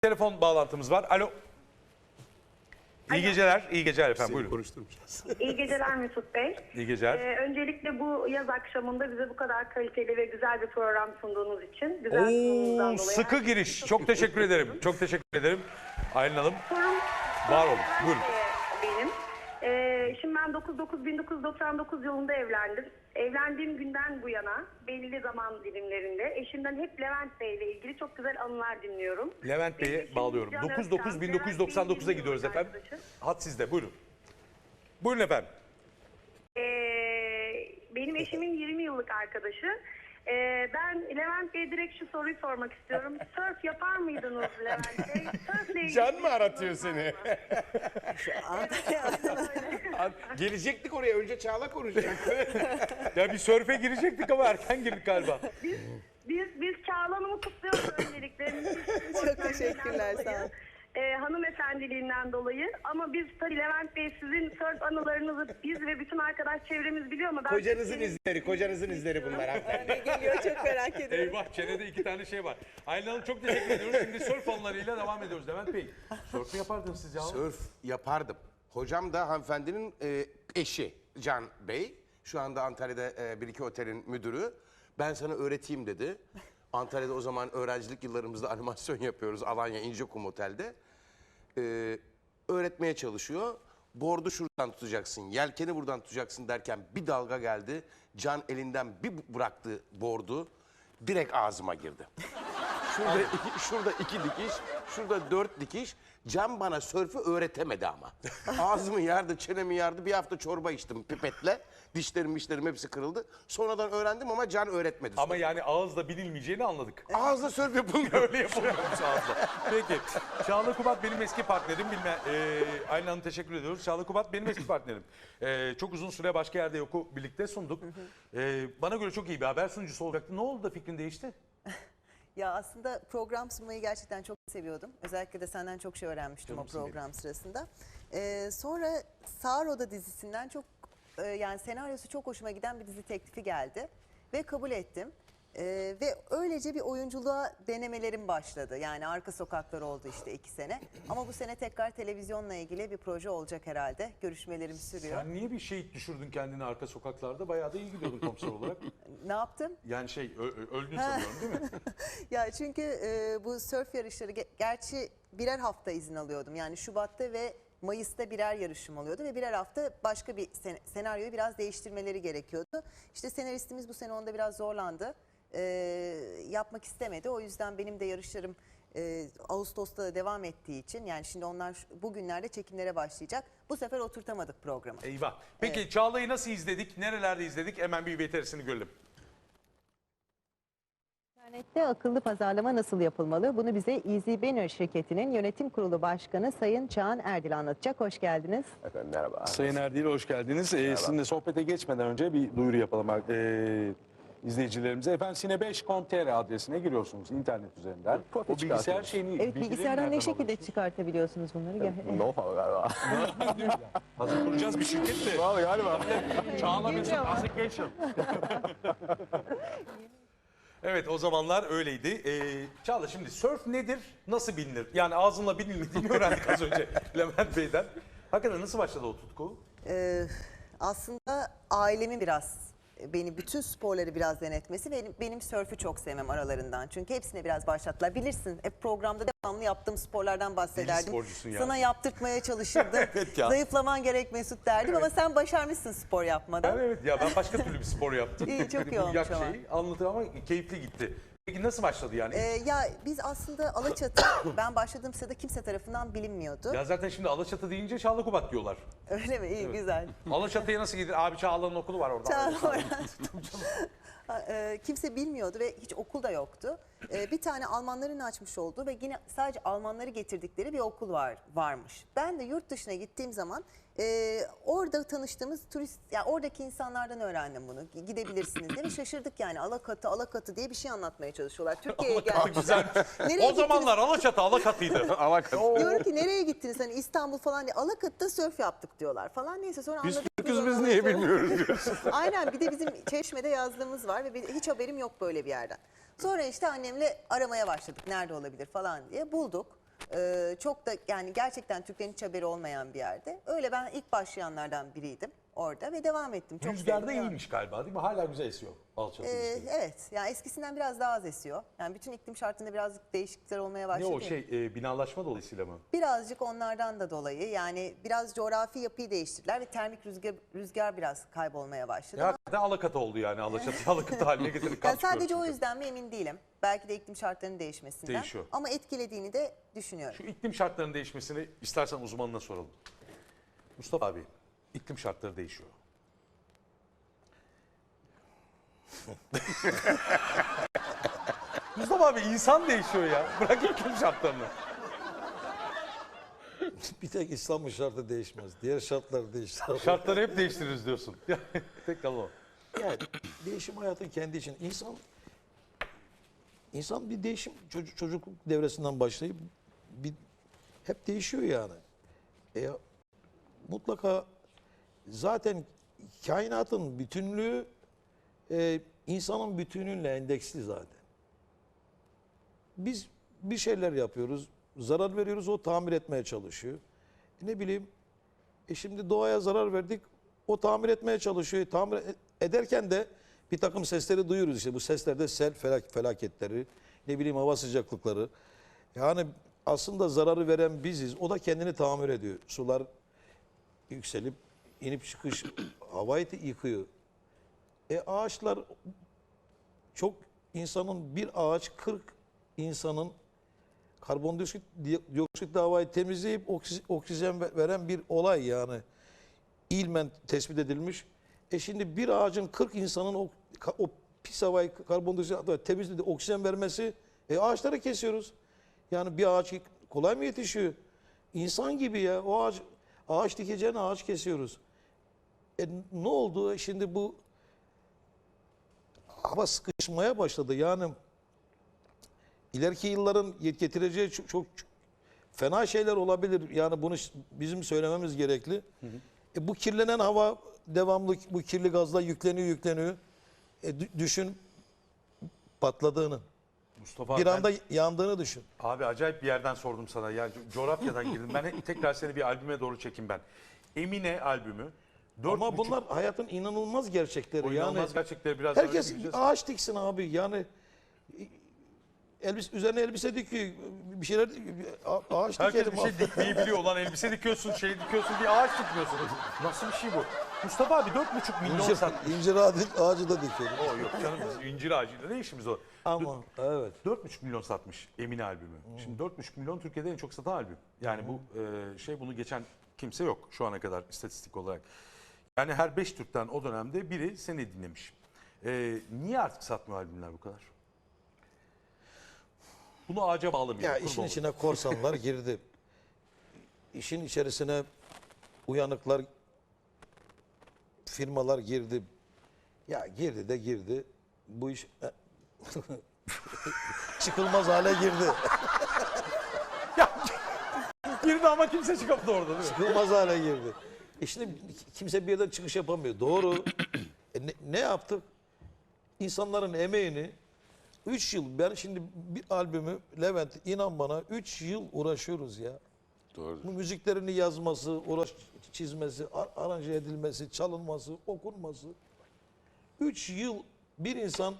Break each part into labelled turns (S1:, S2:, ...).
S1: Telefon bağlantımız var. Alo. İyi geceler. İyi geceler efendim. Buyurun.
S2: Konuşturmayacağız.
S3: İyi geceler Mesut Bey.
S1: İyi geceler.
S3: Öncelikle bu yaz akşamında bize bu kadar kaliteli ve güzel bir program sunduğunuz için, güzel sunumunuzdan dolayı
S1: Sıkı
S3: herkese
S1: giriş. Çok teşekkür ederim. Çok teşekkür ederim. Aylin Hanım.
S3: Sorum
S1: Var olun. Buyurun.
S3: benim. Şimdi ben 1999 yılında evlendim. Evlendiğim günden bu yana belli zaman dilimlerinde eşimden hep Levent Bey ile ilgili çok güzel anılar dinliyorum.
S1: Levent Bey'e bağlıyorum. 99-1999'a gidiyoruz efendim. Hat sizde. Buyurun. Buyurun efendim.
S3: Benim eşimin 20 yıllık arkadaşı. Ben Levent Bey'e direkt şu soruyu sormak istiyorum. Surf yapar mıydınız Levent Bey? Surfle ilgili
S2: Can mı
S3: bir
S2: aratıyor
S3: sorunuz
S2: seni?
S3: var mı?
S2: Gelecektik oraya. Önce Çağla konuşacaktı.
S1: Ya bir sörfe girecektik ama erken girdik galiba.
S3: Biz Çağla Hanım'ı kutluyoruz öncelikle.
S4: Çok teşekkürler, sağ olun.
S3: Hanımefendiliğinden dolayı. Ama biz tabii Levent Bey sizin surf anılarınızı biz ve bütün arkadaş çevremiz biliyor ama ben...
S2: Kocanızın izleri bunlar hanımefendi.
S4: Ne geliyor çok merak ediyorum.
S1: Eyvah çenede iki tane şey var. Aylin Hanım çok teşekkür ediyoruz. Şimdi sörf anılarıyla devam ediyoruz. Levent Bey, sörf mü yapardınız siz ya?
S2: Sörf yapardım. Hocam da hanımefendinin eşi Can Bey. Şu anda Antalya'da bir iki otelin müdürü. Ben sana öğreteyim dedi. Antalya'da o zaman öğrencilik yıllarımızda animasyon yapıyoruz. Alanya İncekum Otel'de. Öğretmeye çalışıyor. Bordu şuradan tutacaksın, yelkeni buradan tutacaksın derken bir dalga geldi. Can elinden bir bıraktı bordu. Direkt ağzıma girdi. Şurada iki dikiş, şurada 4 dikiş. Can bana sörfü öğretemedi ama. Ağzımı yardı, çenemi yardı. Bir hafta çorba içtim pipetle. Dişlerim hepsi kırıldı. Sonradan öğrendim ama Can öğretmedi.
S1: Ama yani ağızla bilinmeyeceğini anladık.
S2: Ağızla sörf yapılmıyor.
S1: Öyle yapılmıyormuş ağızla. Peki. Çağla Kubat benim eski partnerim. Aylin Hanım teşekkür ediyoruz. Çağla Kubat benim eski partnerim. Çok uzun süre başka yerde yoku birlikte sunduk. Bana göre çok iyi bir haber sunucusu olacaktı. Ne oldu da fikrin değişti?
S4: Ya aslında program sunmayı gerçekten çok seviyordum. Özellikle de senden çok şey öğrenmiştim o program sırasında. Sonra Sağır Oda dizisinden çok yani senaryosu çok hoşuma giden bir dizi teklifi geldi ve kabul ettim. Ve öylece bir oyunculuğa denemelerim başladı. Yani Arka Sokaklar oldu işte 2 sene. Ama bu sene tekrar televizyonla ilgili bir proje olacak herhalde. Görüşmelerim sürüyor.
S1: Sen niye bir şey düşürdün kendini arka sokaklarda? Bayağı da iyi gidiyordun komiser olarak.
S4: Ne yaptım?
S1: Yani öldün sanıyorum değil mi?
S4: Ya çünkü bu sörf yarışları gerçi birer hafta izin alıyordum. Yani Şubat'ta ve Mayıs'ta birer yarışım oluyordu ve birer hafta başka bir senaryoyu biraz değiştirmeleri gerekiyordu. İşte senaristimiz bu sene onda biraz zorlandı. Yapmak istemedi. O yüzden benim de yarışlarım Ağustos'ta da devam ettiği için yani şimdi onlar bugünlerde çekimlere başlayacak. Bu sefer oturtamadık programı.
S1: Eyvah. Peki Çağla'yı nasıl izledik? Nerelerde izledik? Hemen bir VTR'sini görelim.
S5: İnternette akıllı pazarlama nasıl yapılmalı? Bunu bize Easy Banner şirketinin yönetim kurulu başkanı Sayın Çağan Erdil anlatacak. Hoş geldiniz.
S6: Efendim merhaba.
S7: Sayın Erdil hoş geldiniz. Sizinle sohbete geçmeden önce bir duyuru yapalım izleyicilerimize. Efendim Sine5.com.tr adresine giriyorsunuz internet üzerinden.
S6: Profil
S7: O bilgisayar
S6: çıkartıyoruz.
S7: şeyini...
S5: Evet,
S7: bilgileri
S5: bilgisayardan
S7: nereden
S5: ne şekilde
S7: alıyorsunuz?
S5: çıkartabiliyorsunuz bunları?
S6: Know-how galiba.
S1: Hazır kuracağız bir şirket de.
S6: Vallahi galiba.
S1: Çağla Mesut
S5: Bilmiyorum.
S1: Application. Evet o zamanlar öyleydi. Çağla şimdi surf nedir? Nasıl bilinir? Yani ağzınla bilinmediğini öğrendik az önce Levent Bey'den. Hakikaten nasıl başladı o tutku?
S4: Aslında ailemin biraz beni bütün sporları biraz denetmesi ve benim sörfü çok sevmem aralarından. Çünkü hepsine biraz başlattılar. Bilirsin hep programda devamlı yaptığım sporlardan bahsederdim.
S1: sporcusun ya.
S4: Sana yaptırtmaya çalışırdım.
S1: Evet ya.
S4: Zayıflaman gerek Mesut derdim ama sen başarmışsın spor yapmadan.
S1: Evet ya ben başka türlü bir spor yaptım.
S4: İyi, çok iyi
S1: Bu
S4: olmuş
S1: yak
S4: ama.
S1: şeyi anlatır ama keyifli gitti. Peki nasıl başladı yani?
S4: Ya biz aslında Alaçatı ben başladığım sırada kimse tarafından bilinmiyordu.
S1: Ya zaten şimdi Alaçatı deyince Çağla Kubat diyorlar.
S4: Öyle mi? İyi, güzel.
S1: Alaçatı'ya nasıl gidilir? Abi Çağla'nın okulu var orada.
S4: Kimse bilmiyordu ve hiç okul da yoktu. Bir tane Almanların açmış olduğu ve yine sadece Almanları getirdikleri bir okul varmış. Ben de yurt dışına gittiğim zaman orada tanıştığımız turist, yani oradaki insanlardan öğrendim bunu. Gidebilirsiniz diye ve şaşırdık yani Alakatı diye bir şey anlatmaya çalışıyorlar. Türkiye'ye geldik.
S1: Güzel. O zamanlar Alaçatı'ydı.
S4: Diyorum ki nereye gittiniz hani İstanbul falan diye. Alakatı'da sörf yaptık diyorlar falan neyse sonra
S6: Biz
S4: anladık.
S6: Türk'üz biz niye bilmiyoruz diyorsun.
S4: Aynen bir de bizim Çeşme'de yazdığımız var ve hiç haberim yok böyle bir yerden. Sonra işte annemle aramaya başladık nerede olabilir falan diye bulduk. Çok da yani gerçekten Türklerin hiç haberi olmayan bir yerde. Öyle ben ilk başlayanlardan biriydim orada ve devam ettim. Çok
S1: Rüzgar da
S4: sevdim, devam
S1: iyiymiş galiba değil mi? Hala güzel esiyor alçalı.
S4: Evet, yani eskisinden biraz daha az esiyor. Yani bütün iklim şartında birazcık değişiklikler olmaya
S1: Ne
S4: başladı.
S1: o şey binalaşma dolayısıyla mı?
S4: Birazcık onlardan da dolayı yani biraz coğrafi yapıyı değiştirdiler ve termik rüzgar biraz kaybolmaya başladı.
S1: Ya hakikaten alakata oldu yani. Alaçatı alakata haline getirdik.
S4: Yani sadece o yüzden mi emin değilim. Belki de iklim şartlarının değişmesinden.
S1: Değişiyor.
S4: Ama etkilediğini de düşünüyorum.
S1: Şu iklim şartlarının değişmesini istersen uzmanına soralım. Mustafa abi, iklim şartları değişiyor. Mustafa abi insan değişiyor ya. Bırak iklim şartlarını.
S8: Bir tek İslam'ın şartı değişmez. Diğer şartlar değişir.
S1: Şartları hep değiştiririz diyorsun. Tek kalan o.
S8: Yani değişim hayatın kendi için. İnsan bir değişim çocukluk devresinden başlayıp hep değişiyor yani. Mutlaka zaten kainatın bütünlüğü insanın bütünlüğüyle endeksli zaten. Biz bir şeyler yapıyoruz, zarar veriyoruz, o tamir etmeye çalışıyor. Ne bileyim, şimdi doğaya zarar verdik, o tamir etmeye çalışıyor. Tamir ederken de bir takım sesleri duyuyoruz işte. Bu seslerde sel felaketleri, ne bileyim hava sıcaklıkları. Yani aslında zararı veren biziz. O da kendini tamir ediyor. Sular yükselip inip çıkış havayı yıkıyor. Ağaçlar çok insanın bir ağaç 40 insanın karbondioksit havayı temizleyip oksijen veren bir olay yani. İlmen tespit edilmiş. Şimdi bir ağacın 40 insanın o pis havayı karbondioksit temizleyip oksijen vermesi ağaçları kesiyoruz. Yani bir ağaç kolay mı yetişiyor? İnsan gibi ya. O ağaç dikeceğine ağaç kesiyoruz. Ne oldu? Şimdi bu hava sıkışmaya başladı. Yani ileriki yılların getireceği çok fena şeyler olabilir. Yani bunu bizim söylememiz gerekli. Bu kirlenen hava devamlı bu kirli gazla yükleniyor. Düşün patladığını.
S1: Mustafa
S8: Bir
S1: ben-
S8: anda yandığını düşün.
S1: Abi acayip bir yerden sordum sana. Yani coğrafyadan girdim. Ben tekrar seni bir albüme doğru çekeyim ben. Emine albümü.
S8: Ama bunlar hayatın inanılmaz gerçekleri.
S1: O inanılmaz
S8: Yani
S1: gerçekleri biraz daha
S8: herkes
S1: öğreneceğiz.
S8: ağaç diksin abi. Yani üzerine elbise dikiyor. Bir şeyler ağaç
S1: Herkes
S8: dikelim
S1: bir şey
S8: abi.
S1: dikmeyi biliyor. Ulan elbise dikiyorsun, şey dikiyorsun diye ağaç dikmiyorsun. Nasıl bir şey bu? Mustafa abi 4,5 milyon satmış.
S8: İncir ağacı da dikelim.
S1: O yok canım biz incir ağacıyla ne işimiz o?
S8: Ama evet.
S1: 4,5 milyon satmış Emine albümü. Şimdi 4,5 milyon Türkiye'de en çok satan albüm. Yani bu bunu geçen kimse yok şu ana kadar istatistik olarak. Yani her 5 Türk'ten o dönemde biri seni dinlemiş. Niye artık satmıyor albümler bu kadar? Bunu ağaca bağlamayalım.
S8: Ya
S1: kurban
S8: işin
S1: olayım.
S8: içine korsanlar girdi. İşin içerisine uyanıklar, firmalar girdi. Ya girdi. Bu iş çıkılmaz hale girdi.
S1: Girdi ama kimse çıkamadı orada değil mi?
S8: Çıkılmaz hale girdi. Şimdi kimse bir yerden çıkış yapamıyor. Doğru. Ne yaptık? İnsanların emeğini 3 yıl, ben şimdi bir albümü Levent inan bana 3 yıl uğraşıyoruz ya.
S2: Doğru.
S8: Bu müziklerini yazması, çizmesi, aranje edilmesi, çalınması, okunması. 3 yıl bir insan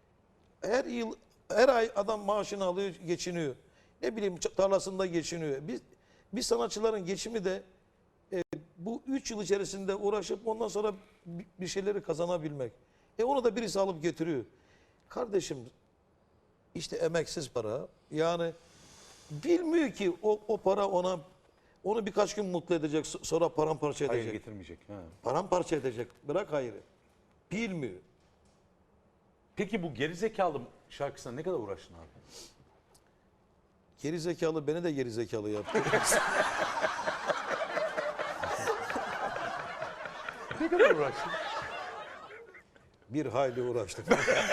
S8: her ay adam maaşını alıyor, geçiniyor. Ne bileyim tarlasında geçiniyor. Biz sanatçıların geçimi de bu 3 yıl içerisinde uğraşıp ondan sonra bir şeyleri kazanabilmek. Onu da birisi alıp getiriyor. Kardeşim işte emeksiz para. Yani bilmiyor ki o para onu birkaç gün mutlu edecek, sonra paramparça edecek.
S1: Hayır getirmeyecek. Ha.
S8: Paramparça edecek. Bırak hayrı. Bilmiyor.
S1: Peki bu gerizekalı şarkısına ne kadar uğraştın abi?
S8: Geri zekalı beni de geri zekalı yaptı.
S1: Ne kadar uğraştın?
S8: Bir hayli uğraştık.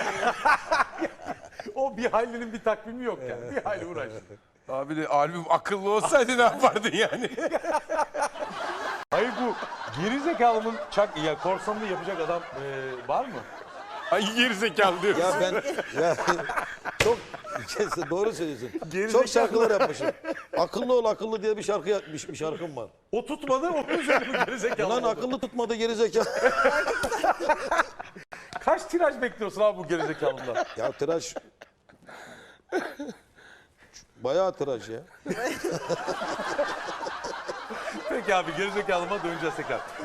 S1: O bir haylinin bir takvimi yok yani. Bir hayli uğraştın.
S2: Abi de albüm akıllı olsaydı ne yapardın yani?
S1: Hayır bu gerizekalının korsanlığı yapacak adam var mı?
S2: Ay gerizekalı diyorsun.
S8: Ya ben ya çok doğru söylüyorsun.
S1: Gerizekalı.
S8: Çok şarkılar yapmışım. Akıllı ol akıllı diye bir şarkı yapmış bir şarkım var.
S1: O tutmadı, onun üzerine gerizekalı
S8: Lan
S1: oldu.
S8: akıllı tutmadı gerizekalı.
S1: Kaç tiraj bekliyorsun abi bu gerizekalından?
S8: Ya tıraş bayağı tıraş ya.
S1: Peki abi, gerizekalıma döneceğiz tekrar.